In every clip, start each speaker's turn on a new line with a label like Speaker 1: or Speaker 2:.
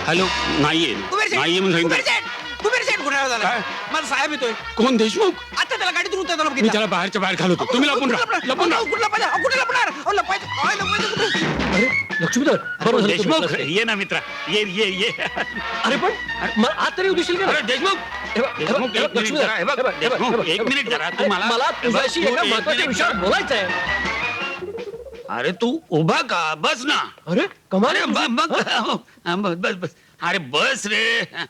Speaker 1: Hello नाहीये नाहीये म्हणून सांगितलं.
Speaker 2: कुबेर शेठ गुन्हा झाला.
Speaker 1: काय?
Speaker 2: मला साहेब येतोय.
Speaker 1: कोण देशमुख?
Speaker 2: आता त्याला गाडीतून उतरताना
Speaker 1: मी त्याला बाहेरच्या बाहेर घालवतो. तुम्ही लपून राहा लपून राहा.
Speaker 2: कुठला पाहिजे कुठे लपणार
Speaker 3: अरे लक्ष्मीधर बरोबर झालं
Speaker 1: देशमुख
Speaker 3: तुम्ही बसले.
Speaker 1: ये ना मित्रा ये ये ये.
Speaker 3: अरे पण मला आत तरी उदिशील का?
Speaker 1: अरे देशमुख
Speaker 3: हे बघ,
Speaker 1: देशमुख
Speaker 3: हे बघ,
Speaker 1: एक मिनिट
Speaker 3: लक्ष्मीधर,
Speaker 1: जरा, हे बघ,
Speaker 3: हे बघ, हे बघ,
Speaker 1: देशमुख,
Speaker 3: हे बघ,
Speaker 1: एक
Speaker 3: हे बघ.
Speaker 1: मिनिट जरा तू
Speaker 3: अरे,
Speaker 1: मला
Speaker 3: मला तुझ्याशी
Speaker 1: हे बघ,
Speaker 3: एका
Speaker 1: तू एक
Speaker 3: महत्त्वाच्या
Speaker 1: मिनिट
Speaker 3: विषयावर
Speaker 1: जरा.
Speaker 3: बोलायचं आहे.
Speaker 1: अरे तू उभा का बस ना.
Speaker 3: अरे कमाल
Speaker 1: अरे
Speaker 3: आहे तुझी.
Speaker 1: बस बस बस अरे बस रे.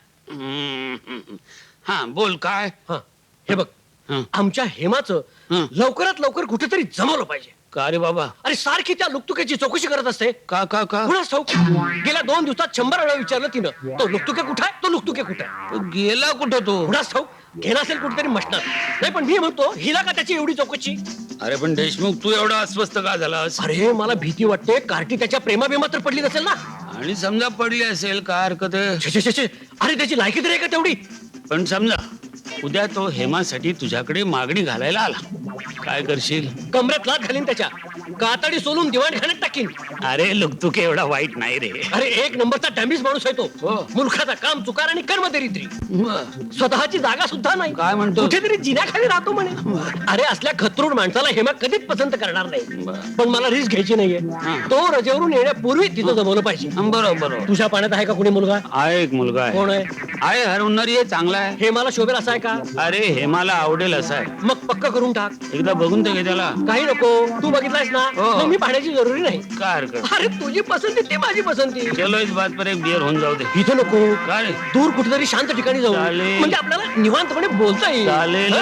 Speaker 1: हा बोल काय.
Speaker 3: हा, हे बघ
Speaker 1: हं.
Speaker 3: आमच्या हेमाचं
Speaker 1: हं.
Speaker 3: लवकरात लवकर कुठेतरी जमवलं पाहिजे.
Speaker 1: का रे बाबा.
Speaker 3: अरे सारखी त्या लुकतुक्याची चौकशी करत असते.
Speaker 1: का का का
Speaker 3: कुणाच ठाऊक गेल्या 2 दिवसात 100 वेळा विचारलं तिनं. तो लुकतुके कुठे आहे, तो लुकतुके कुठे आहे.
Speaker 1: तो गेला कुठं तो.
Speaker 3: कुणाच ठाऊक घेणं असेल कुठेतरी मशनात. नाही पण मी म्हणतो हिला का त्याची एवढी चौकशी.
Speaker 1: अरे पण देशमुख तू एवढा अस्वस्थ का झालास.
Speaker 3: अरे मला भीती वाटते कार्टी त्याच्या प्रेमाबिमात तर पडली नसेल ना.
Speaker 1: आणि समजा पडली असेल काय हरकत आहे.
Speaker 3: छे, छे, छे, छे. अरे त्याची लायकी तरी आहे का तेवढी.
Speaker 1: पण समजा उद्या तो हेमासाठी तुझ्याकडे मागणी घालायला आला काय करशील.
Speaker 3: कमरेत लात घालीन त्याच्या कातडी सोलून दिवाणखान्यात टाकीन.
Speaker 1: अरे लुकतुके एवढा वाईट नाही रे.
Speaker 3: अरे 1 नंबरचा डॅमेज माणूस आहे तो.
Speaker 1: हो.
Speaker 3: मुलखाचा काम चुकार आणि कर्मदरिद्री. स्वतःची जागा सुद्धा नाही.
Speaker 1: काय म्हणतो?
Speaker 3: कुठेतरी जिन्याखाली राहतो म्हणे. अरे असल्या खतरूड माणसाला हेमा कधीच पसंत करणार नाही. पण मला रिस्क घ्यायची नाहीये. तो रजेवरून येण्यापूर्वी तिथं जमवलं पाहिजे.
Speaker 1: बरोबर
Speaker 3: तुझ्या पाण्यात आहे का कुणी मुलगा.
Speaker 1: आहे एक मुलगा
Speaker 3: कोण
Speaker 1: आहे.
Speaker 3: आहे.
Speaker 1: हरवणारी आहे चांगला आहे.
Speaker 3: हेमाला शोभेल असा आहे का.
Speaker 1: अरे हेमाला आवडेल असा आहे.
Speaker 3: मग पक्क करून टाक.
Speaker 1: एकदा बघून तर घे त्याला.
Speaker 3: काही नको तू बघितलायस ना.
Speaker 1: हो.
Speaker 3: मग मी पाहण्याची जरुरी नाही.
Speaker 1: काय हरकत.
Speaker 3: अरे तुझी पसंती ती माझी पसंती.
Speaker 1: चलो इस बात पर एक बियर होऊन जाऊ दे.
Speaker 3: इथं नको
Speaker 1: काय रे?
Speaker 3: दूर कुठेतरी शांत ठिकाणी जाऊ.
Speaker 1: चालेल.
Speaker 3: म्हणजे आपल्याला निवांतपणे बोलता येईल.
Speaker 1: चालेल.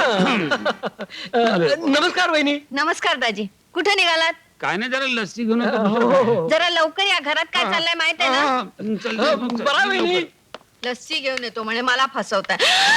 Speaker 3: नमस्कार वहिनी.
Speaker 4: नमस्कार दाजी. कुठे निघालात.
Speaker 1: काय नाही जरा लस्सी घेऊन
Speaker 3: हो, हो.
Speaker 4: जरा लवकर या. घरात काय चाललंय माहित आहे ना.
Speaker 3: बरा वहिनी.
Speaker 4: लस्सी घेऊन येतो म्हणे मला फसवताय.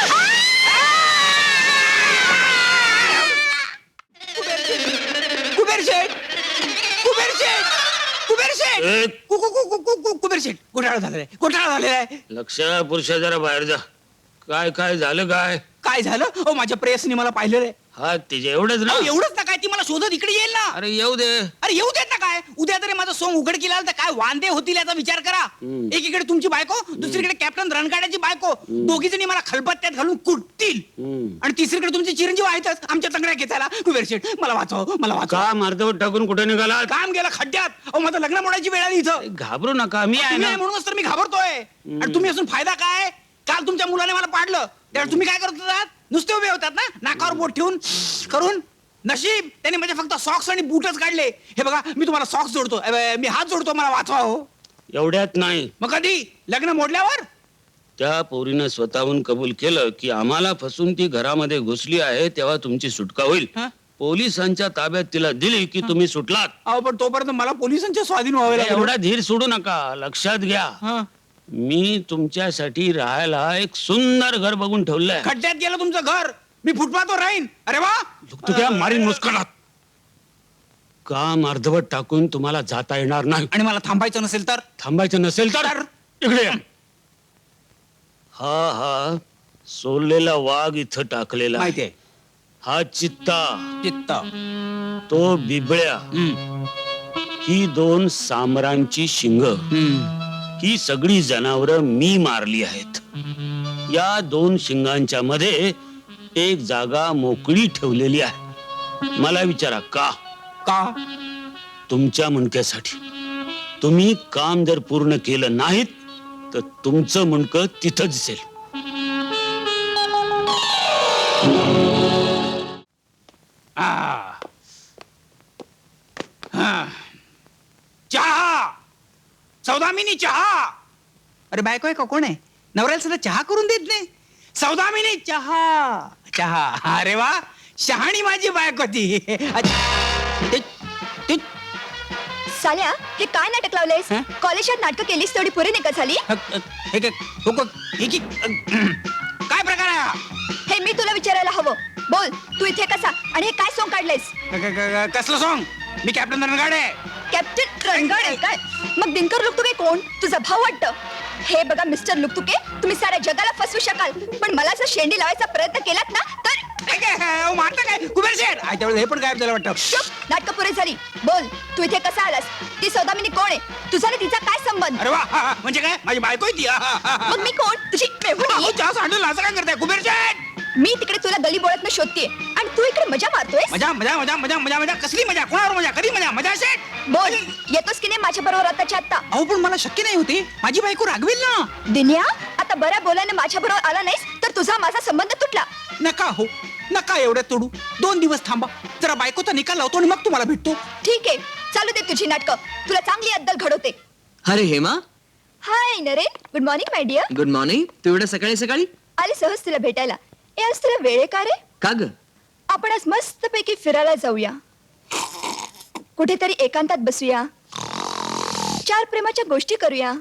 Speaker 2: कुबेर शेठ कुबेर शेठ कुबेर शेठ कुबेर शेठ घोटाळा झालेला आहे.
Speaker 1: लक्ष पुरुषा जरा बाहेर जा. काय काय झालं काय.
Speaker 2: काय झालं. हो माझ्या प्रेयसनी मला पाहिलेलं आहे.
Speaker 1: हा तिचे एवढंच ना.
Speaker 2: एवढंच ना काय ती मला शोधत इकडे येईल ना.
Speaker 1: अरे येऊ दे.
Speaker 2: अरे येऊ देत ना काय. उद्या तरी माझं सोंग उघडकीला आलं तर काय वांदे होतील याचा विचार करा. एकीकडे तुमची बायको दुसरीकडे कॅप्टन रणगाड्याची बायको दोघी जणी मला खलबत्त्यात घालून कुटतील. आणि तिसरीकडे तुमचे चिरंजीव आहेतच आमच्या तंगड्या घेतायला. कुबेर शेठ मला वाचव मला वाचव.
Speaker 1: का मार्गावर टाकून कुठे निघाला.
Speaker 2: काम गेलं खड्ड्यात. अहो माझं लग्न मोडायची वेळ आली इथं.
Speaker 1: घाबरू नका मी आहे
Speaker 2: तुम्ही
Speaker 1: ना.
Speaker 2: आहे म्हणूनच तर मी घाबरतोय. आणि तुम्ही असून फायदा काय. काल तुमच्या मुलाने मला पाडलं त्यावेळेस तुम्ही काय करत होतात. नुसते उभे होतात ना नाकावर बोट ठेवून करून. नशीब त्याने म्हणजे फक्त सॉक्स आणि बूटच काढले. हे बघा मी तुम्हाला सॉक्स जोडतो मी हात जोडतो मला वाचवा हो.
Speaker 1: एवढ्यात नाही.
Speaker 2: मग कधी लग्न मोडल्यावर.
Speaker 1: त्या पोरीनं स्वतःहून कबूल केलं की आम्हाला फसून ती घरामध्ये घुसली आहे तेव्हा तुमची सुटका होईल.
Speaker 2: हं?
Speaker 1: पोलिसांच्या ताब्यात तिला दिली की तुम्ही सुटलात.
Speaker 2: अहो पण तोपर्यंत मला पोलिसांच्या स्वाधीन व्हावे लागेल.
Speaker 1: एवढा धीर सोडू नका. लक्षात घ्या
Speaker 2: हं.
Speaker 1: मी तुमच्यासाठी राहायला एक सुंदर घर बघून ठेवलंय.
Speaker 2: खड्ड्यात गेलं तुमचं घर. मी फुटपाथवर राहीन. अरे वा.
Speaker 1: तू त्या मारीन मुस्करात. काम अर्धवट टाकून तुम्हाला जाता येणार नाही.
Speaker 2: आणि मला थांबायचं नसेल तर.
Speaker 1: थांबायचं नसेल तर इकडे या. हा सोललेला वाघ इथं टाकलेला आहे.
Speaker 2: माहितीये.
Speaker 1: हा चित्ता
Speaker 2: चित्त.
Speaker 1: तो बिबळ्या ही 2 सामरांची शिंग. ही सगळी जनावरं मी मारली आहेत. या 2 शिंगांच्या मध्ये एक जागा मोकळी ठेवलेली आहे. मला विचारा का.
Speaker 2: का.
Speaker 1: तुमच्या मुंडक्यासाठी. तुम्ही काम जर पूर्ण केलं नाहीत तर तुमचं मुंडकं तिथं दिसेल.
Speaker 2: चहा. सौदामिनी चहा. अरे बायको आहे का कोण आहे. नवऱ्याला सुद्धा चहा करून देत नाही. सौदामिनी चहा चहा. अरे वा शहाणी माझी बायको ती.
Speaker 4: साल्या हे काय नाटक लावलंयस.
Speaker 2: हं?
Speaker 4: कॉलेजात नाटक केलीस तेवढी पुरी नाही का झाली.
Speaker 2: काय प्रकार आहे हा?
Speaker 4: हे मी तुला विचारायला हवं. बोल तू इथे कसा आणि हे काय सोंग काढलंयस.
Speaker 2: कसलं सॉंग. मी कॅप्टन रणगाडे.
Speaker 4: कॅप्टन रणगाड आहे काय. मग दिनकर लुकतुके कोण. तुझा भाऊ वाटतं. हे बघा मिस्टर लुकतुके तुम्ही साऱ्या जगाला फसवू शकाल पण मला जर शेंडी लावायचा प्रयत्न केलात ना तर.
Speaker 2: मारता काय कुबेर शेठ. त्यावेळेस हे पण गायब झालं वाटतं.
Speaker 4: नाटक पुरे झाली. बोल तू इथे कसा आलास. ती सौदामिनी कोण आहे. तुझा आणि तिचा काय संबंध.
Speaker 2: अरे वा हा, हा. म्हणजे काय माझी बायको आहे ती हा, हा, हा.
Speaker 4: मग मी कोण? तुझी मेहुणी.
Speaker 2: अहो, चहा सांडून असं काय करताय कुबेर शेठ?
Speaker 4: मी तिकडे तुला गली बोळात शोधतेय आणि तू इकडे मजा मारतोय.
Speaker 2: मजा मजा मजा मजा मजा मजा कसली मजा कोणावर मजा कधी मजा मजा शेठ
Speaker 4: बोल, येतोस की नाही माझ्या बरोबर आताच्या आता?
Speaker 2: अहो पण मला शक्य नाही होते माझी बायको रागवेल ना.
Speaker 4: दिन्या, आता बऱ्या बोलाने माझ्या बरोबर आला नाहीस तर तुझा माझा संबंध तुटला.
Speaker 2: नका हो नका एवढ्यात तोडू 2 दिवस थांबा जरा बायकोचा निकाल लावतो आणि मग तुम्हाला भेटतो.
Speaker 4: ठीक आहे, चालू दे तुझी नाटकं. तुला चांगली अद्दल घडवते.
Speaker 5: अरे Hema,
Speaker 4: hi Naren, good morning my dear.
Speaker 5: Good morning. तू एवढ्या सकाळी सकाळी
Speaker 4: आले सहज तुला भेटायला. ए, आज तुला वेळ आहे का रे?
Speaker 5: का ग?
Speaker 4: आपण आज मस्तपैकी फिरायला जाऊया, कुठेतरी एकांतात बसूया, 4 प्रेमाच्या गोष्टी करूया.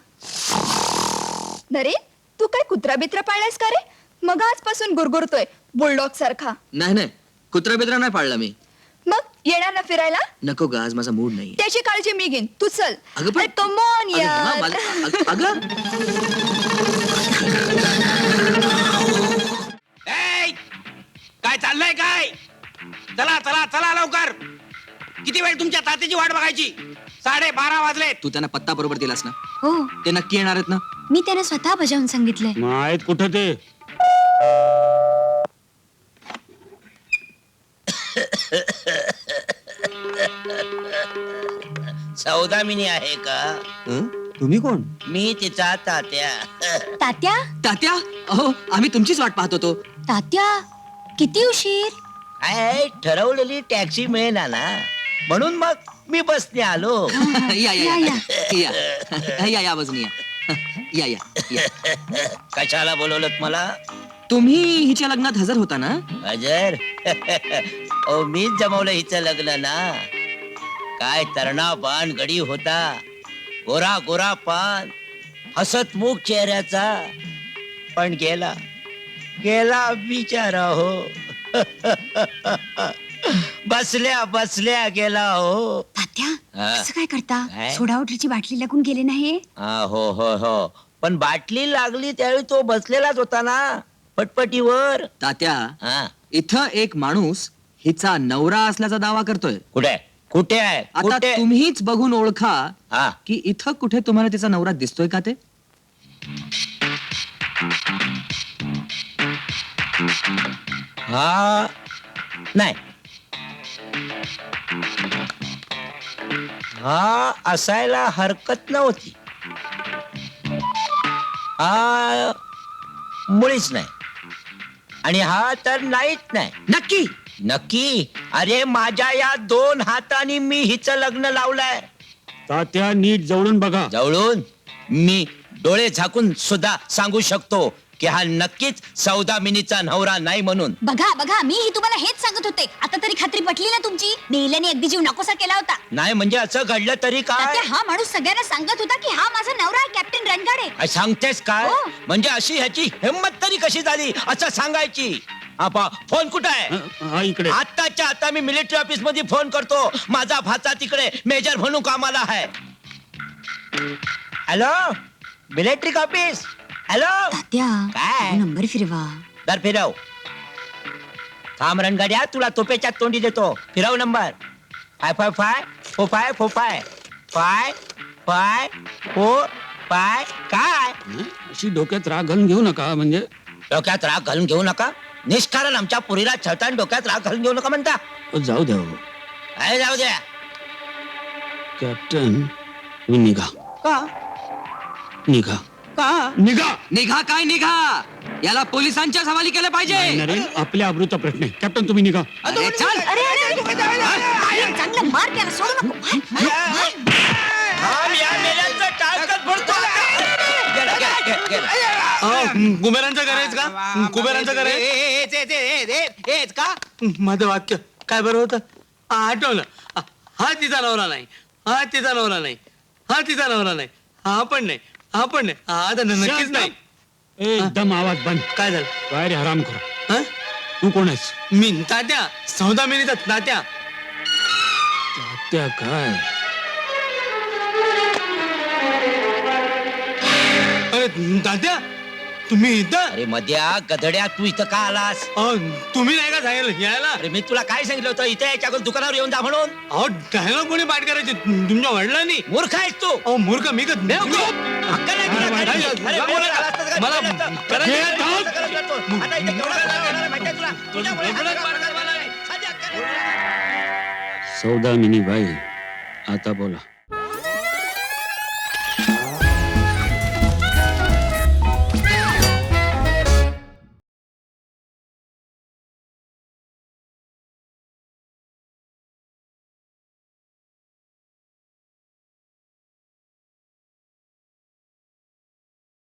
Speaker 4: नरेन, तू काय कुत्रा बित्रा पाळलायस का रे? मग आजपासून गुरगुरतोय बुलडॉग सारखा.
Speaker 5: नाही नाही, कुत्रा बित्रा नाही पाळला मी.
Speaker 4: मग येणार ना फिरायला?
Speaker 5: नको ग, आज माझा मूड नाही.
Speaker 4: त्याची काळजी मी घेईन, तू चल.
Speaker 5: अगं पण-
Speaker 4: कम ऑन
Speaker 5: अगं हेमा,
Speaker 4: यार.
Speaker 5: अगं
Speaker 2: ए, काय चाललंय काय? चला चला चला लवकर. किती वेळ तुमच्या तात्याची वाट बघायची? 12:30 वाजले.
Speaker 5: तू त्यांना पत्ता बरोबर दिलास ना?
Speaker 6: हो,
Speaker 5: ते नक्की येणार आहेत ना?
Speaker 6: मी त्यांना स्वतः बजावून सांगितलंय.
Speaker 1: मग आहेत कुठं ते?
Speaker 7: सौदामिनी आहे का?
Speaker 5: तुम्ही कोण?
Speaker 7: मी तिचा तात्या.
Speaker 6: तात्या,
Speaker 5: तात्या, अहो आम्ही तुमचीच वाट पाहत होतो.
Speaker 6: तात्या, किती उशीर?
Speaker 7: काय ठरवलेली टॅक्सी मिळेना ना म्हणून मग मी बसने आलो.
Speaker 5: या या या या या बाजूने या या या.
Speaker 7: कशाला बोलवलं मला?
Speaker 5: तुम्ही हिच्या लग्नात हजर होता ना?
Speaker 7: अजर ओ मीच जमवलं हिचं लग्न ना. काय तरणा पान गडी होता, गोरा गोरा पान, हसतमुख चेहऱ्याचा, पण गेला गेला बिचारा हो. बसल्या बसल्या गेला हो.
Speaker 6: तात्या,
Speaker 7: हा.
Speaker 6: असं काय करता?
Speaker 7: काय?
Speaker 6: सोडा वॉटरची बाटली लागून गेले नाही?
Speaker 7: हो हो हो, पण बाटली लागली त्यावेळी तो बसलेलाच होता ना पटपटीवर.
Speaker 5: तात्या,
Speaker 7: हा,
Speaker 5: इथं एक माणूस हिचा नवरा असल्याचा दावा करतोय.
Speaker 7: कुठे कुठे आहे
Speaker 5: आता
Speaker 7: कुठे?
Speaker 5: तुम्हीच बघून ओळखा
Speaker 7: हा,
Speaker 5: की इथं कुठे तुम्हाला तिचा नवरा दिसतोय का ते?
Speaker 7: हा नाही, हा असायला हरकत नव्हती. हा मुळीच नाही आणि हा तर नाहीच नाही.
Speaker 5: नक्की?
Speaker 7: नक्की. अरे माझ्या या 2 हातांनी मी हिचं लग्न लावलंय.
Speaker 1: तात्या नीट जवळून बघा.
Speaker 7: जवळून मी डोळे झाकून सुद्धा सांगू शकतो की हा नक्कीच सौदामिनीचा नवरा नाही म्हणून.
Speaker 6: बघा बघा, मी तुम्हाला हेच सांगत होते. आता तरी खात्री पटली ना तुमची? नेल्याने अगदी जीव नकोसा केला होता.
Speaker 7: नाही म्हणजे असं घडलं तरी काय?
Speaker 6: तात्या, हा माणूस सगळ्यांना सांगत होता की हा माझा नवरा आहे, कॅप्टन रणगाडे.
Speaker 7: काय सांगतेस काय?
Speaker 6: हो.
Speaker 7: म्हणजे अशी ह्याची हिंमत तरी कशी झाली असं सांगायची? आपा फोन कुठं आहे?
Speaker 1: हा इकडे.
Speaker 7: आत्ताच्या आता मी मिलिटरी ऑफिस मध्ये फोन करतो. माझा भाचा तिकडे मेजर म्हणून कामाला आहे. Hello, military office. Hello,
Speaker 6: Tatya,
Speaker 7: काय?
Speaker 6: नंबर फिरवा.
Speaker 7: दर फिरव. थांब रणगाड्या, तुला तोपेच्या तोंडी देतो. फिरव नंबर. 55545454545. काय
Speaker 1: अशी डोक्यात राग घालून घेऊ नका. म्हणजे
Speaker 7: डोक्यात राग घालून घेऊ नका? निष्कारण आमच्या पुरीला छळताना डोक्यात राग घालून घेऊ नका म्हणता?
Speaker 1: जाऊ द्या हो.
Speaker 7: काय जाऊ द्या?
Speaker 1: कॅप्टन, तुम्ही निघा
Speaker 2: का
Speaker 1: निघा
Speaker 2: का
Speaker 1: निघा.
Speaker 5: निघा काय निघा? याला पोलिसांच्या हवाली केलं पाहिजे.
Speaker 1: नरेन, आपल्या अमृता प्रश्न आहे. कॅप्टन तुम्ही निघा.
Speaker 5: अरे चल.
Speaker 6: अरे, चांगलं मार त्याला, सोडू नको.
Speaker 7: थांब, या मेल्यांचं टाळकं फोडतो आता. गेला, गेला, गेला, गेला.
Speaker 8: कुबेरांचं करायचं का? कुबेरांचं करायचं?
Speaker 2: हेच का?
Speaker 8: माझं वाक्य काय बरं होतं? आठवलं. हा तिचा नवरा नाही, हा तिचा नवरा नाही, हा तिचा नवरा नाही, हा पण नाही, हा पण नाही, हा तर नक्कीच नाही.
Speaker 1: एकदम आवाज बंद.
Speaker 8: काय झालं?
Speaker 1: काय रे हराम करा.
Speaker 8: हं?
Speaker 1: तू कोण आहेस?
Speaker 8: मी तात्या, सौदामिनीचा तात्या.
Speaker 1: तात्या काय?
Speaker 8: अरे तात्या, तुम्ही इथं
Speaker 7: अरे मध्या गधड्या तू इथं का आलास?
Speaker 8: अहो, तुम्ही नाही का सांगितलं यायला?
Speaker 7: अरे मी तुला काय सांगितलं होतं इथे याच्या अगोदर दुकानावर येऊन जा म्हणून?
Speaker 8: अहो डायलॉग कोणी पाठ करायचे तुमच्या वडिलांनी?
Speaker 7: मूर्ख आहेस तू.
Speaker 8: अहो मूर्ख मी का
Speaker 7: अक्कल नाही तुला,
Speaker 8: अरे,
Speaker 7: काही.
Speaker 8: अरे,
Speaker 7: अरे,
Speaker 8: मला-
Speaker 7: वेळेवर आलास तर काय
Speaker 8: मला-
Speaker 7: केलं असतं?
Speaker 8: मला-
Speaker 7: करायचं
Speaker 8: हे
Speaker 7: नाही,
Speaker 8: धाव.
Speaker 7: करायचं करतो. आता इथे केवढा त्रास होणार आहे माहिती आहे तुला? तुझ्यामुळे हा सगळा प्रकार झाला आहे. साधी अक्कल नाही तुला.
Speaker 1: सौदामिनी बाई आता बोला.